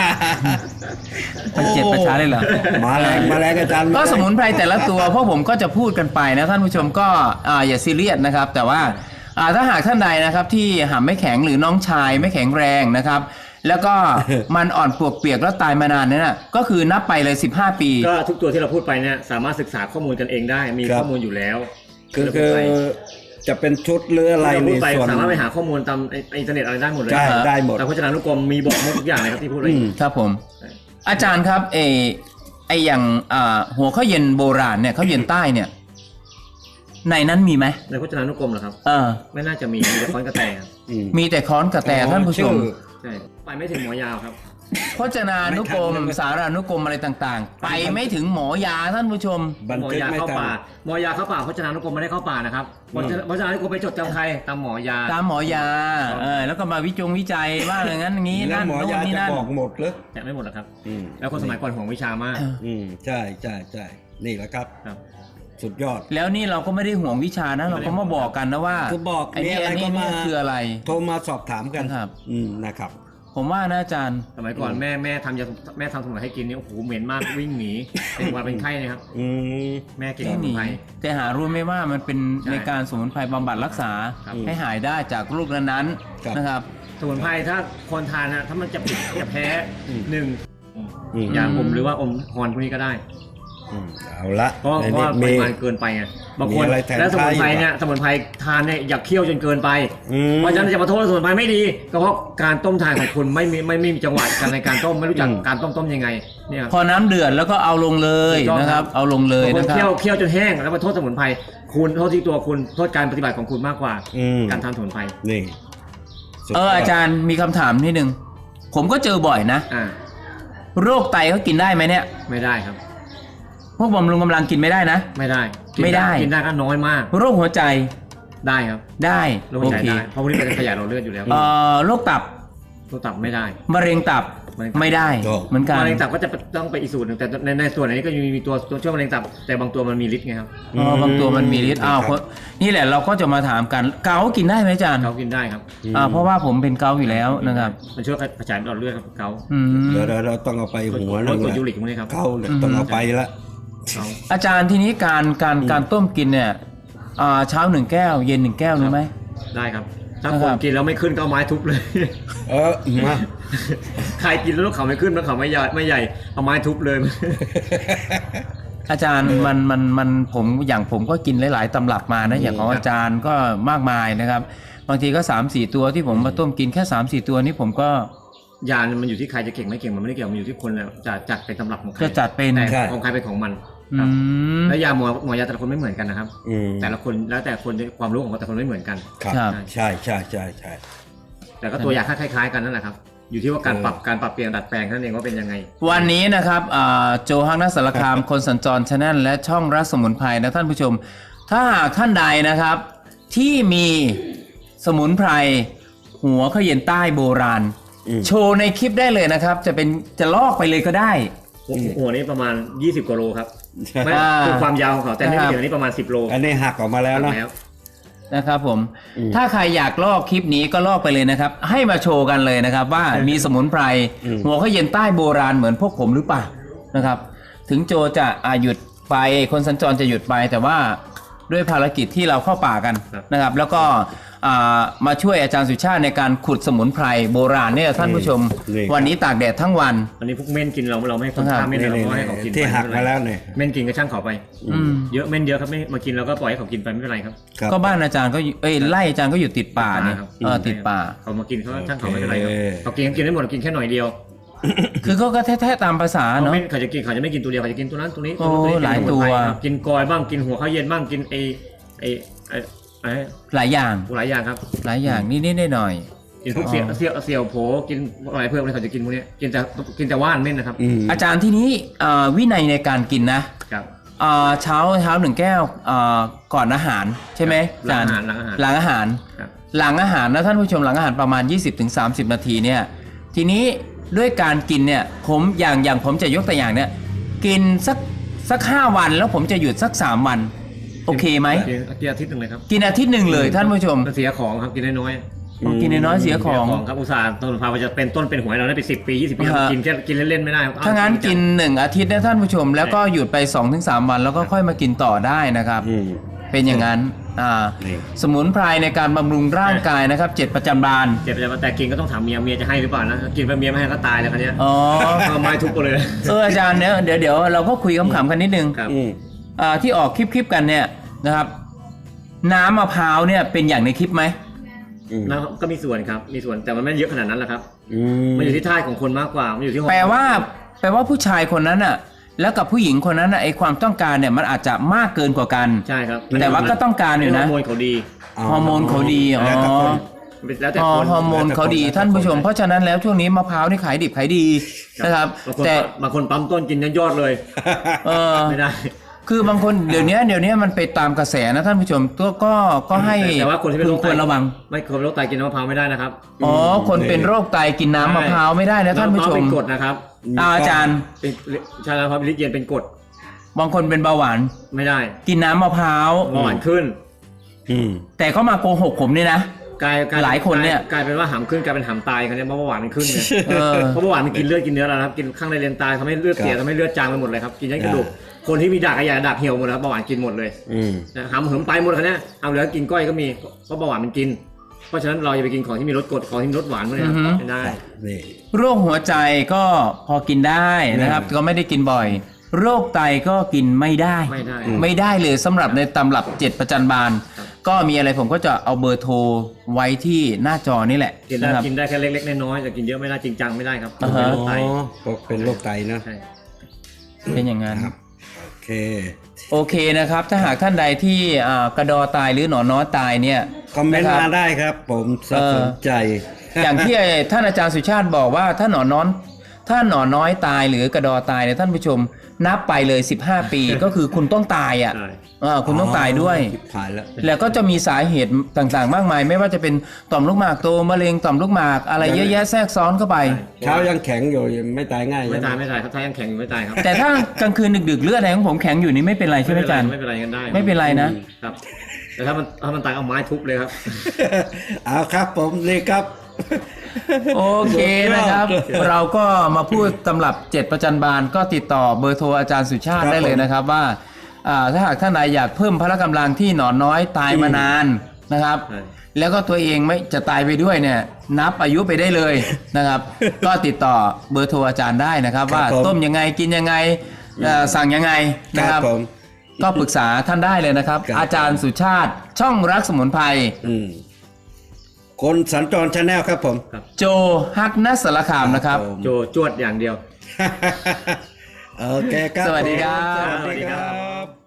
[SPEAKER 1] มันเจ็ดประชาได้เหรอ
[SPEAKER 2] มาแรงมาแรงอาจารย์
[SPEAKER 1] ก็สมุนไพรแต่ละตัวพวกผมก็จะพูดกันไปนะท่านผู้ชมก็อ่าอย่าซีเรียสนะครับ แต่ว่าอ่าถ้าหากท่านใดนะครับที่หำไม่แข็งหรือน้องชายไม่แข็งแรงนะครับ แล้วก็มันอ่อนปวกเปียกแล้วตายมานานเนี่ยนะก็คือนับไปเลยสิบห้าปี
[SPEAKER 3] ก็ทุกตัวที่เราพูดไปเนี่ยสามารถศึกษาข้อมูลกันเองได้ มีข้อมูลอยู่แล้ว
[SPEAKER 2] คือคือจะเป็นชุดหรืออะไร
[SPEAKER 3] ที่เรา
[SPEAKER 2] ใน
[SPEAKER 3] พูดไป
[SPEAKER 2] ส่วน
[SPEAKER 3] สามารถไปหาข้อมูลตามอินเทอร์เน็ตอะไรได้หมดเลย
[SPEAKER 2] ได้ได้หมด
[SPEAKER 3] แต่พจนานุกรมมีบอกหมดทุกอย่างเลยครับที่พูดไป
[SPEAKER 2] อืม
[SPEAKER 1] ครับผม อาจารย์ครับเออไออย่างอ่าหัวข้าวเย็นโบราณเนี่ยข้าวเย็นใต้เนี่ยในนั้นมีไหม
[SPEAKER 3] ในพจนานุกรมเหรอครับ
[SPEAKER 1] เออ
[SPEAKER 3] ไม่น่าจะมีมีแต่ค้อนกระแตครับ
[SPEAKER 2] อืม
[SPEAKER 1] มีแต่ค้อนกระแตท่านผู้ชม
[SPEAKER 2] ชื่อ
[SPEAKER 3] ใช่ไปไม่ถึงหมอยาวครับ
[SPEAKER 1] พจนานุกรม
[SPEAKER 2] ไม่ทัน
[SPEAKER 1] สารานุกรมอะไรต่างๆ ไปไม่ถึงหมอยาท่านผู้ชม
[SPEAKER 2] บัน
[SPEAKER 3] หมอ
[SPEAKER 2] ทึก
[SPEAKER 3] ยา
[SPEAKER 2] ไม่
[SPEAKER 3] เข้า
[SPEAKER 2] ทัน
[SPEAKER 3] ป่าหมอยาเข้าป่าพจนานุกรมไม่ได้เข้าป่านะครับพจนาพจนานุกรมไปจดจำใครตามหมอยา
[SPEAKER 1] ตามหมอยาเออแล้วก็มาวิจงวิจัยว่าอย่างนั้นอย่างนี้
[SPEAKER 2] แล้ว
[SPEAKER 1] นั่น
[SPEAKER 2] หมอ
[SPEAKER 1] โน่น
[SPEAKER 2] ยา
[SPEAKER 1] นี่
[SPEAKER 2] จะ
[SPEAKER 1] นั่น
[SPEAKER 2] บอกหมดเลย
[SPEAKER 3] แต่ไม่หมดหรอกครับ
[SPEAKER 2] อืม
[SPEAKER 3] แล้วคนสมัยก่อนห่วงวิชามาก
[SPEAKER 2] อืมใช่ใช่ใช่นี่แหละครับ
[SPEAKER 3] ครับ
[SPEAKER 2] สุดยอด
[SPEAKER 1] แล้วนี่เราก็ไม่ได้ห่วงวิชานะเราก็มาบอกกันนะว่า
[SPEAKER 2] คือบอก
[SPEAKER 1] ไอ้นี่
[SPEAKER 2] มีอะไร
[SPEAKER 1] อันนี้
[SPEAKER 2] ก็มา
[SPEAKER 1] เนี่ยคืออะไร
[SPEAKER 2] โทรมาสอบถามกัน
[SPEAKER 1] ครับ
[SPEAKER 2] อืมนะครับ
[SPEAKER 1] ผมว่านะอาจารย์
[SPEAKER 3] สมัยก่อนแม่แม่ทำยาแม่ทำสมุนไพรให้กินเนี่ยโอ้โหเหม็นมากวิ่งหนีเป็นหวัดเป็นไข้นะครับ
[SPEAKER 2] อืม
[SPEAKER 3] แม่เก่ง
[SPEAKER 1] แค่
[SPEAKER 3] สมุ
[SPEAKER 1] นี้
[SPEAKER 3] นไพร
[SPEAKER 1] แต่หารู้ไหมว่ามันเป็น
[SPEAKER 3] ใช่
[SPEAKER 1] ในการสมุนไพรบำบัดรักษา
[SPEAKER 3] ครับ
[SPEAKER 1] ให้หายได้จากโรคนั้น
[SPEAKER 2] ครับ
[SPEAKER 1] ๆนะครับ
[SPEAKER 3] สมุนไพรถ้าคนทานนะถ้ามันจะปิดจะแพ้
[SPEAKER 2] อืม
[SPEAKER 3] หนึ่ง
[SPEAKER 2] อืม
[SPEAKER 3] ยาอมหรือว่าอมฮอนพวกนี้ก็ได้
[SPEAKER 2] อืมเอาละ
[SPEAKER 3] เพราะ
[SPEAKER 2] ใน
[SPEAKER 3] เพราะ
[SPEAKER 2] นี้
[SPEAKER 3] ว่าป
[SPEAKER 2] มี
[SPEAKER 3] ริมาณเกินไปไงบางคน
[SPEAKER 2] มีอะไรแทน
[SPEAKER 3] แล้วสมุนไพร
[SPEAKER 2] ท้ายอยู่
[SPEAKER 3] เนี่ยสมุนไพรทานเนี่ยอย่าเคี่ยวจนเกินไป
[SPEAKER 2] อืม
[SPEAKER 3] เพราะฉะนั้นจะมาโทษว่าสมุนไพรไม่ดีก็เพราะการต้มทานของคุณไม่มีไม่ไม่มีจังหวะการในการต้มไม่รู้จัก
[SPEAKER 2] อืม
[SPEAKER 3] การต้มต้มยังไงเนี่ย
[SPEAKER 1] พอน้ำเดือดแล้วก็เอาลงเลย
[SPEAKER 3] ถูกต้อง
[SPEAKER 1] นะครับ
[SPEAKER 3] ครับ
[SPEAKER 1] เอาลงเลย
[SPEAKER 3] บางค
[SPEAKER 1] นะ
[SPEAKER 3] น
[SPEAKER 1] ครั
[SPEAKER 3] เคี่ยว
[SPEAKER 1] บ
[SPEAKER 3] เคี่ยวจนแห้งแล้วมาโทษสมุนไพรคุณโทษที่ตัวคุณโทษการปฏิบัติของคุณมากกว่า
[SPEAKER 2] อืม
[SPEAKER 3] การทานสมุนไพร
[SPEAKER 2] นี่สุด
[SPEAKER 1] เอออาจารย์มีคำถามนิดนึงผมก็เจอบ่อยนะ
[SPEAKER 3] อ่า
[SPEAKER 1] โรคไตเขากินได้ไหมเนี่ย
[SPEAKER 3] ไม่ได้ครับ
[SPEAKER 1] พวกบำรุงกำลังกินไม่ได้นะ
[SPEAKER 3] ไม่ได้กิน
[SPEAKER 1] ไม่ได้
[SPEAKER 3] กินได้ก็น้อยมาก
[SPEAKER 1] โรคหัวใจ
[SPEAKER 3] ได้ครับ
[SPEAKER 1] ได้
[SPEAKER 3] โรค
[SPEAKER 1] โอ
[SPEAKER 3] หัวใจ
[SPEAKER 1] เค
[SPEAKER 3] ได้เพราะพวกนี้เป็นขยะหลอดเลือดอยู่แล้ว
[SPEAKER 1] เอ่อโรคตับ
[SPEAKER 3] ตัวตับไม่ได้
[SPEAKER 1] มะเร็งตับ
[SPEAKER 3] มะเร็งตับ
[SPEAKER 1] ไม่ได้เหมือนกัน
[SPEAKER 3] มะเร็งตับก็จะต้องไปอีกสูตรหนึ่งแต่ในในส่วนอันนี้ก็ยังมีตัวตัวช่วยมะเร็งตับแต่บางตัวมันมีฤทธิ์ไงครับ
[SPEAKER 1] อ๋อบางตัวมันมีฤทธิ์อ้าวคนนี่แหละเราก็จะมาถามกันเกาต์กินได้ไหมอาจารย์
[SPEAKER 3] เขากินได้ครับ
[SPEAKER 1] อ่าเพราะว่าผมเป็นเกาต์อยู่แล้วนะครับ
[SPEAKER 3] มันช่วยกระจายหลอดเลือดครับเกา
[SPEAKER 1] อืม
[SPEAKER 2] เดี๋ยวเราเราต้องเอาไปหัว
[SPEAKER 3] ล
[SPEAKER 2] นึ
[SPEAKER 3] ด
[SPEAKER 2] ง
[SPEAKER 3] กรด
[SPEAKER 2] ละ
[SPEAKER 3] ยูริกพวกนี้ครับ
[SPEAKER 2] เข้าเลยต้องเอาไปละ
[SPEAKER 3] เกา
[SPEAKER 1] อาจารย์ทีนี้การการการต้มกินเนี่ยอ่าเช้าหนึ่งแก้ว เย็นหนึ่งแก้วรู้ไหม
[SPEAKER 3] ได้ครับ ถ้า
[SPEAKER 1] นะ
[SPEAKER 3] ค
[SPEAKER 1] ครั
[SPEAKER 3] น
[SPEAKER 1] บ
[SPEAKER 3] กินแล้วไม่ขึ้นก็เอาไม้ทุบเลย
[SPEAKER 2] เออมา
[SPEAKER 3] ใครกินแล้วลูกเขาไม่ขึ้นแล้วเขาไม่ใหญ่ไม่ใหญ่เอาไม้ทุบเลย
[SPEAKER 1] อาจารย์มันมันมันผมอย่างผมก็กินหลาย ๆตำรับมานะอย่างของอาจารย์ก็มากมายนะครับ บางทีก็ สามสี่ ตัวที่ผมมาต้มกินแค่ สามสี่ ตัวนี้ผมก็
[SPEAKER 3] ยาเนี่ยมันอยู่ที่ใครจะเก่งไม่เก่งมันไม่ได้เกี่ยวมันอยู่ที่คนแล้วจะจัดเป็นตำรับของใคร
[SPEAKER 1] จะจัดเป็น
[SPEAKER 3] แต่ของใครเป็นของมัน
[SPEAKER 1] อื
[SPEAKER 3] ครับ
[SPEAKER 1] ม
[SPEAKER 3] แล้วยาหมอหมอยาแต่ละคนไม่เหมือนกันนะครับ
[SPEAKER 2] อืม
[SPEAKER 3] แต่ละคนแล้วแต่คนความรู้ของแต่ละคนไม่เหมือนกัน
[SPEAKER 2] ครับ
[SPEAKER 1] ครับ
[SPEAKER 2] ใช่ใช่ใช่ใช่
[SPEAKER 3] แต่ก็ตัวยาคล้ายๆกันนั่นแหละครับอยู่ที่ว่าการปรับการปรับเปลี่ยนดัดแปลงเท่านั้นเองว่าเป็นยังไง
[SPEAKER 1] วันนี้นะครับอ่าโจฮักนักสารคาม คนสัญจรชาแนลและช่องรักสมุนไพรนะท่านผู้ชม ถ้าหากท่านใดนะครับ ที่มีสมุนไพรหัวเขย็นใต้โบราณ
[SPEAKER 2] อืม
[SPEAKER 1] โชว์ในคลิปได้เลยนะครับ จะเป็นจะลอกไปเลยก็ได้
[SPEAKER 3] หัวหัวนี้ประมาณยี่สิบกว่าโลครับไม่
[SPEAKER 1] อ่า
[SPEAKER 3] คือความยาวของเขาแต่ไม่
[SPEAKER 1] ครับ
[SPEAKER 3] เกี่ยวอันนี้ประมาณสิบโล
[SPEAKER 2] อันนี้หักออกมาแล้วนะ
[SPEAKER 3] แล้ว
[SPEAKER 1] นะครับผม
[SPEAKER 2] อืม
[SPEAKER 1] ถ้าใครอยากลอกคลิปนี้ก็ลอกไปเลยนะครับ ให้มาโชว์กันเลยนะครับ ว่ามีสมุนไพร
[SPEAKER 2] อืม
[SPEAKER 1] หัวเขย็นใต้โบราณเหมือนพวกผมหรือเปล่านะครับ ถึงโจจะอาหยุดไปคนสัญจรจะหยุดไป แต่ว่าด้วยภารกิจที่เราเข้าป่ากันนะครับ แล้วก็อ่ามาช่วยอาจารย์สุชาติในการขุดสมุนไพรโบราณเนี่ยท่านผู้ชม วันนี้ตากแดดทั้งวัน
[SPEAKER 3] อันนี้พวกเม่นกินเราเราไม่ให้คน
[SPEAKER 1] ครับ
[SPEAKER 3] ฆ่าเม่น
[SPEAKER 2] นี่
[SPEAKER 3] เรา
[SPEAKER 2] นี่
[SPEAKER 3] ก็ให้เขากิน
[SPEAKER 2] ที่
[SPEAKER 3] ไป
[SPEAKER 2] หัก
[SPEAKER 3] ไเป็
[SPEAKER 2] มาน
[SPEAKER 3] ไร
[SPEAKER 2] แล้วเนี่ย
[SPEAKER 3] เม่นกินก็ช่างเขาไป
[SPEAKER 1] อืม
[SPEAKER 3] เยอะเม่นเยอะครับไม่มากินเราก็ปล่อยให้เขากินไปไม่เป็นไรครับ
[SPEAKER 2] ครับ
[SPEAKER 1] ก็บ้านอาจารย์ก็อยู่เอ้ยไล่อาจารย์ก็อยู่ติดป่าเนี่ย
[SPEAKER 3] ครับ
[SPEAKER 1] เออติดป่า
[SPEAKER 3] เขามากินเขาก็ช่างเขาไม่เป็นไรครับ
[SPEAKER 2] โอเค
[SPEAKER 3] เขากินกินได้หมดกินแค่หน่อยเดียว
[SPEAKER 1] คือเขาก็แท้ๆตามภาษา
[SPEAKER 3] เขา
[SPEAKER 1] เนาะ
[SPEAKER 3] ไม่เขาจะกินเขาจะไม่กินตัวเดียวเขาจะกินตัวนั้นตัวนี้
[SPEAKER 1] โอ้
[SPEAKER 3] ตัวนี้
[SPEAKER 1] หลาย
[SPEAKER 3] กิน
[SPEAKER 1] ตัว
[SPEAKER 3] หมดไปครับกินกอยบ้างกินหัวข้าวเย็นบ้างกินไอไอไอไอ
[SPEAKER 1] หลายอย่าง
[SPEAKER 3] หลายอย่างครับ
[SPEAKER 1] หลายอย่างนิดๆหน่อย
[SPEAKER 3] กินพวกเสี่ยวเสี่ยวเสี่ยวโผกินอะไรเพิ่มเลยเขาจะกินพวกนี้กินแต่กินแต่ว่านเม่นนะครับ
[SPEAKER 2] อืม
[SPEAKER 1] ๆอาจารย์ที่นี้เอ่อวินัยในการกินนะ
[SPEAKER 3] ครับ
[SPEAKER 1] เอ่อเช้าเช้าหนึ่งแก้วเอ่อก่อนอาหารใช่ไหม
[SPEAKER 3] หลังอาหาร
[SPEAKER 1] จ
[SPEAKER 3] หลังอาหาร
[SPEAKER 1] หลังอาหาร
[SPEAKER 3] ครับ
[SPEAKER 1] หลังอาหารนะท่านผู้ชมหลังอาหารประมาณ ยี่สิบถึงสามสิบ นาทีเนี่ยทีนี้ด้วยการกินเนี่ยผมอย่างอย่างผมจะยกตัวอย่างเนี่ยกินสักสักห้าวันแล้วผมจะหยุดสักสามวัน โอเคไหม
[SPEAKER 3] กินกินอาทิตย์หนึ่งเลยครับ
[SPEAKER 1] กินอาทิตย์หนึ่งเลยท่านผู้ชม
[SPEAKER 3] เสียของครับกินน้อยๆ
[SPEAKER 1] โอ้กินน้อยๆเสียของ
[SPEAKER 3] ครับอุตส่าห์ต้นพาจะเป็นต้นเป็นหวยเราได้ไปสิบปียี่สิบปี
[SPEAKER 1] ฮะ
[SPEAKER 3] กินแค่กินเล่นๆไม่ได้ครับ
[SPEAKER 1] ถ้างั้นกินหนึ่งอาทิตย์นะท่านผู้ชม แล้วก็หยุดไป สองถึงสาม วันแล้วก็ค่อยมากินต่อได้นะครับ
[SPEAKER 2] อืม
[SPEAKER 1] เป็นอย่างนั้นอ่า
[SPEAKER 2] นี่
[SPEAKER 1] สมุนไพรในการบำรุงร่างกายนะครับเจ็ดประจำบาน
[SPEAKER 3] เจ็บแต่กินก็ต้องถามเมียเมียจะให้หรือเปล่านะกินไปเมียไม่ให้ก็ตายแล้วคันนี้ย
[SPEAKER 1] อ๋อ
[SPEAKER 3] เอาไม้ทุบไปเลย
[SPEAKER 1] เอออาจารย์เนี่ยเดี๋ยวเดี๋ยวเราก็คุยขำๆกันนิดนึง
[SPEAKER 3] ครับ
[SPEAKER 2] อืม
[SPEAKER 1] อ่าที่ออกคลิปๆกันเนี่ยนะครับ น้ำมะพร้าวเนี่ยเป็นอย่างในคลิปไหม
[SPEAKER 2] อืม
[SPEAKER 3] แล้วก็มีส่วนครับมีส่วนแต่มันไม่เยอะขนาดนั้นแหละครับ
[SPEAKER 2] อืม
[SPEAKER 3] มันอยู่ที่ท่าของคนมากกว่ามันอยู่ที่
[SPEAKER 1] แปลว่าแปลว่าผู้ชายคนนั้นน่ะแล้วกับผู้หญิงคนนั้นน่ะไอความต้องการเนี่ยมันอาจจะมากเกินกว่ากัน
[SPEAKER 3] ใช่ครับ
[SPEAKER 1] แต่ว่าก็ต้องการอยู่นะ
[SPEAKER 3] ฮอร์โมนเขาดี
[SPEAKER 1] ฮอร์โมนเขาดีอ๋อ
[SPEAKER 2] แล้วแต่คน
[SPEAKER 3] แล้วแต่
[SPEAKER 1] อ๋อ
[SPEAKER 3] คน
[SPEAKER 1] ฮอร์โมนเขาดีท่านผู้ชม เพราะฉะนั้นแล้วช่วงนี้มะพร้าวนี่ขายดิบขายดีนะครับ
[SPEAKER 3] บางคน
[SPEAKER 1] แต่
[SPEAKER 3] บางคนปั๊มต้นกินยอดเลย
[SPEAKER 1] เออ
[SPEAKER 3] ไม่ได้
[SPEAKER 1] คือบางคนเดี๋ยวนี้เดี๋ยวนี้มันไปตามกระแสนะท่านผู้ชมก็ก็ก็ให้
[SPEAKER 3] แต่ว่าคนที่เป็นโรค
[SPEAKER 1] ควรระวัง
[SPEAKER 3] ไม่คนเป็นโรคไตกินน้ำมะพร้าวไม่ได้นะครับ
[SPEAKER 1] อ๋อคนเป็นโรคไตกินน้ำมะพร้าวไม่ได้นะท่านผู้ชม
[SPEAKER 3] เป็นกรดนะครับ
[SPEAKER 1] อ่าอาจารย์
[SPEAKER 3] เป็นใช่แล้วครับลิตรเย็นเป็นกรด
[SPEAKER 1] บางคนเป็นเบาหวาน
[SPEAKER 3] ไม่ได้
[SPEAKER 1] กินน้ำมะพร้าว
[SPEAKER 3] เบาหวานขึ้น
[SPEAKER 2] อืม
[SPEAKER 1] แต่เขามาโกหกผมเนี่ยนะ
[SPEAKER 3] กลายกลาย
[SPEAKER 1] หลายคนเนี่ย
[SPEAKER 3] กลายเป็นว่าหามขึ้นกลายเป็นหามตายกันเนี่ยเพราะเบาหวานมันขึ้นเนี่ย
[SPEAKER 1] เออ
[SPEAKER 3] เพราะเบาหวานมันกินเลือดกินเนื้อแล้วนะครับกินข้างในเลนตายทำให้เลือดเสียทำให้เลือดจางไปหมดเลยครับกินยันกระดูกคนที่มีดากระยาดากเหี่ยวหมดแล้วเบาหวานกินหมดเลย
[SPEAKER 2] อืม
[SPEAKER 3] นะหามเหิมไปหมดเลยเนี่ยเอาเหลือกินก้อยก็มีเพราะเบาหวานมันกิน เพราะฉะนั้นเราอย่าไปกินของที่มีรสกรดของที่มีรสหวานพวกนี้
[SPEAKER 1] อือฮึ
[SPEAKER 3] ไม่ได้
[SPEAKER 2] นี่
[SPEAKER 1] โรคหัวใจก็พอกินได้นะครับ ก็ไม่ได้กินบ่อย โรคไตก็กินไม่ได้
[SPEAKER 3] ไม่ได้
[SPEAKER 1] ไม่ได้เลยสำหรับในตำรับเจ็ดประจันบาน ก็มีอะไรผมก็จะเอาเบอร์โทรไว้ที่หน้าจอนี่แหละ
[SPEAKER 3] กินได้
[SPEAKER 1] นะครับ
[SPEAKER 3] กินได้แค่เล็กๆน้อยๆแต่กินเยอะไม่ได้จริงจังไม่ได้ครับ
[SPEAKER 1] อ่าฮะ
[SPEAKER 3] เป็นโรคไต
[SPEAKER 2] อ๋อก็เป็นโรคไตนะ
[SPEAKER 3] ใช่
[SPEAKER 1] เป็นอย่างนั้น
[SPEAKER 2] โอเค
[SPEAKER 1] โอเคนะครับ ถ้าหากท่านใดที่อ่ากระดอตายหรือหนอนน้อยตายเนี่ย
[SPEAKER 2] คอมเมนต์
[SPEAKER 1] ะรับ
[SPEAKER 2] มาได้ครับ ผมสนใจ
[SPEAKER 1] อย่างที่ท่านอาจารย์สุชาติบอกว่าถ้าหนอนน้อยถ้าหนอนน้อยตายหรือกระดอตายเนี่ยท่านผู้ชมนับไปเลยสิบห้าปี ก็คือคุณต้องตายอ่ะ
[SPEAKER 3] ใช่
[SPEAKER 1] อ่าคุณต้องตายด้วย
[SPEAKER 2] ชิบหายแล้ว
[SPEAKER 1] แล้วก็จะมีสาเหตุต่างๆ มากมาย ไม่ว่าจะเป็นต่อมลูกหมากโตมะเร็งต่อมลูกหมากอะไรเยอะแยะแทรกซ้อนเข้าไป
[SPEAKER 2] เช้ายังแข็งอยู่ยังไม่ตายง่าย
[SPEAKER 3] ไม่
[SPEAKER 2] ใช่ห
[SPEAKER 3] ตายไม่ตายครับถ้ายังแข็งอยู่ไม่ตายครับ
[SPEAKER 1] แต่ถ้ากลางคืนดึกๆเลือดอะไรของผมแข็งอยู่นี่ไม่เป็นไรใช่ไหมอาจารย์
[SPEAKER 3] ไม่เป็นไรกันได้
[SPEAKER 1] ไม่เป็นไรนะ
[SPEAKER 3] ครับ แต่ถ้ามันถ้ามันตายเอาไม้ทุบเลยครับ
[SPEAKER 2] เอาครับผมนี่ครับ
[SPEAKER 1] โอเคนะครับ เราก็มาพูดตำรับเจ็ดประจันบานก็ติดต่อเบอร์โทรอาจารย์สุชาติ
[SPEAKER 2] ครับ
[SPEAKER 1] ได้เลยนะครับว่าอ่าถ้าหากท่านใดอยากเพิ่มพละกำลังที่หนอนน้อยตายมานานนะครับ
[SPEAKER 3] ใช่
[SPEAKER 1] แล้วก็ตัวเองไม่จะตายไปด้วยเนี่ยนับอายุไปได้เลยนะครับ ก็ติดต่อเบอร์โทรอาจารย์ได้นะครับ
[SPEAKER 2] ครับ
[SPEAKER 1] ว่า
[SPEAKER 2] ผม
[SPEAKER 1] ต้มยังไงกินยังไงเอ่อสั่งยังไงนะค
[SPEAKER 2] ครั
[SPEAKER 1] รั
[SPEAKER 2] บบ ผม
[SPEAKER 1] ก็ปรึกษาท่านได้เลยนะครับ
[SPEAKER 2] ครับ
[SPEAKER 1] อาจารย์สุชาติช่องรักสมุนไพร
[SPEAKER 2] อืมคนสัญจรชาแนลครับผม
[SPEAKER 1] โจฮักนัสสารคามนะครับ
[SPEAKER 2] ผม
[SPEAKER 3] โจจวดอย่างเดียว
[SPEAKER 2] โอเคครับ
[SPEAKER 1] สวัสดีครับ
[SPEAKER 2] ผมสวัสดีครับ